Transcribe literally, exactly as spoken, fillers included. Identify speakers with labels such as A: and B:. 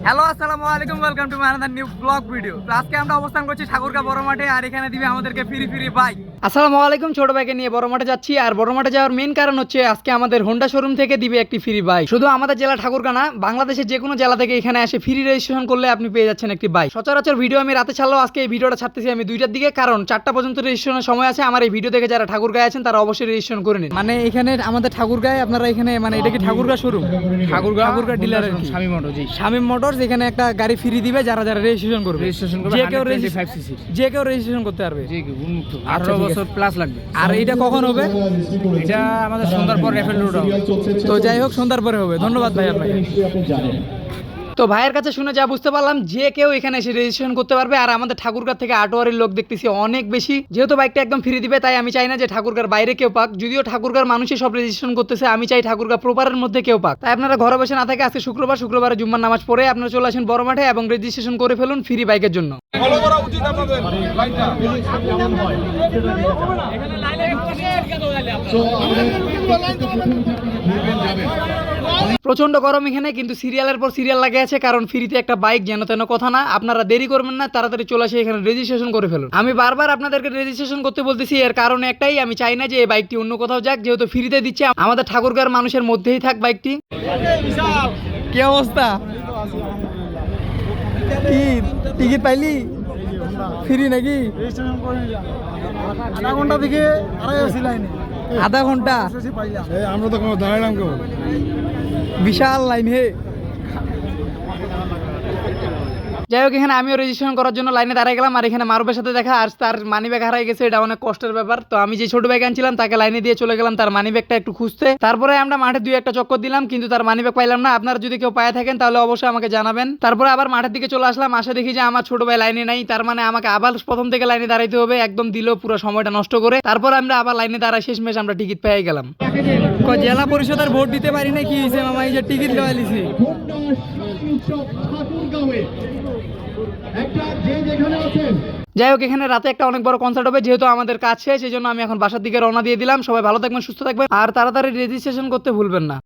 A: Hello আসসালামু আলাইকুম, welcome to my another new vlog video. তো আজকে আমরা অবস্থান করছি ঠাকুরগাঁ বড় মাঠে, আর এখানে দিবে আমাদেরকে ফ্রি ফ্রি বাইক। আসসালামু আলাইকুম, ছোট বাইকে নিয়ে বড় মাঠে যাচ্ছি। আর বড় মাঠে যাওয়ার মেইন কারণ হচ্ছে আজকে আমাদের হোন্ডা শোরুম থেকে দিবে একটি ফ্রি বাইক। শুধু আমাদের জেলা ঠাকুরগাঁ না, বাংলাদেশের যে কোনো জেলা থেকে এখানে এসে ফ্রি রেজিস্ট্রেশন করলে আপনি পেয়ে যাচ্ছেন একটি বাইক। সচরাচর ভিডিও আমি রাতে ছাড়লেও আজকে এই ভিডিওটা ছাড়তেছি আমি দুইটার দিকে, কারণ চারটা পর্যন্ত রেজিস্ট্রেশনের সময় আছে। আমার এই ভিডিও দেখে যারা ঠাকুরগাঁয়ে আছেন তারা অবশ্যই রেজিস্ট্রেশন করে নিন। মানে এখানে আমাদের ঠাকুরগাঁয়ে আপনারা এখানে মানে এটা কি ঠাকুরগাঁ শোরুম, ঠাকুরগাঁ ঠাকুরগাঁ ডিলার আর কি, শামীম মোটরস। জি, শামীম মোটরস এখানে একটা গাড়ি ফ্রি দিবে যারা যারা রেজিস্ট্রেশন করবে। রেজিস্ট্রেশন করবে, যে কেউ রেজিস্ট্রেশন যে কেউ রেজিস্ট্রেশন করতে পারবে, যে কেউ উন্মুক্ত। আঠারো বছর প্লাস লাগবে। আর এটা কখন হবে? এটা আমাদের সন্ধ্যার পর রেফেল রোড হবে। তো যাই হোক, সন্ধ্যার পরে হবে। ধন্যবাদ ভাই আপনাকে। তো ভাইয়ের কাছে শুনে যা বুঝতে পারলাম, যে কেউ এখানে এসে রেজিস্ট্রেশন করতে পারবে। আর আমাদের ঠাকুরগাঁ থেকে আটোয়ারির লোক দেখতেছি অনেক বেশি। যেহেতু বাইকটা একদম ফ্রি দিবে, তাই আমি চাই না যে ঠাকুরগাঁর বাইরে কেউ পাক। যদিও ঠাকুরগাঁর মানুষই সব রেজিস্ট্রেশন করতেছে, আমি চাই ঠাকুরগাঁ প্রপারের মধ্যে কেউ পাক। তাই আপনারা ঘরে বসে না থাকে আজকে শুক্রবার, শুক্রবারে জুম্মার নামাজ পড়ে আপনারা চলে আসেন বড় মাঠে এবং রেজিস্ট্রেশন করে ফেলুন ফ্রি বাইকের জন্য। প্রচন্ড গরম এখানে, কিন্তু সিরিয়ালের পর সিরিয়াল লাগে আছে, কারণ ফ্রিতে একটা বাইক যেন তেন কথা না। আপনারা দেরি করবেন না, তাড়াতাড়ি চলে আসে এখানে রেজিস্ট্রেশন করে ফেলুন। আমি বারবার আপনাদেরকে রেজিস্ট্রেশন করতে বলতেছি, এর কারণ একটাই, আমি চাই না যে এই বাইকটি অন্য কোথাও যাক। যেহেতু ফ্রিতে দিচ্ছে, আমাদের ঠাকুরগাঁর মানুষের মধ্যেই থাক বাইকটি। কি অবস্থা? কি টিকিট পাইলি? ফ্রি নাকি?
B: আধা ঘন্টা থেকে আড়াই আসি লাইনে।
A: আধা ঘন্টা?
B: আমরা তো দাঁড়ালাম কেবল।
A: বিশাল লাইন হে। যাই হোক, এখানে আমিও রেজিস্ট্রেশন করার জন্য লাইনে দাঁড়াই গেলাম। আর এখানে মারুফের সাথে দেখা, আর তার মানি ব্যাগ হারাই গেছে। এটা অনেক কষ্টের ব্যাপার। তো আমি যে ছোট ব্যাগ আনছিলাম তাকে লাইনে দিয়ে চলে গেলাম তার মানি ব্যাগটা একটু খুঁজতে। তারপরে আমরা মাঠে দুই একটা চক্কর দিলাম, কিন্তু তার মানি ব্যাগ পাইলাম না। আপনারা যদি কেউ পায়ে থাকেন তাহলে অবশ্যই আমাকে জানাবেন। তারপরে আবার মাঠের দিকে চলে আসলাম, আসে দেখি যে আমার ছোট ভাই লাইনে নাই। তার মানে আমাকে আবার প্রথম থেকে লাইনে দাঁড়াইতে হবে, একদম দিল পুরো সময়টা নষ্ট করে। তারপর আমরা আবার লাইনে দাঁড়াই, শেষমেশ আমরা টিকিট পেয়ে গেলাম। জেলা পরিষদের ভোট দিতে পারি না, কি হয়েছে মামা? এই যে টিকিট লওয়া লিছি। যাই হোক, এখানে রাতে একটা অনেক বড় কনসার্ট হবে। যেহেতু আমাদের কাজ শেষ, সেই জন্য আমি এখন বাসার দিকে রওনা দিয়ে দিলাম। সবাই ভালো থাকবেন, সুস্থ থাকবেন, আর তাড়াতাড়ি রেজিস্ট্রেশন করতে ভুলবেন না।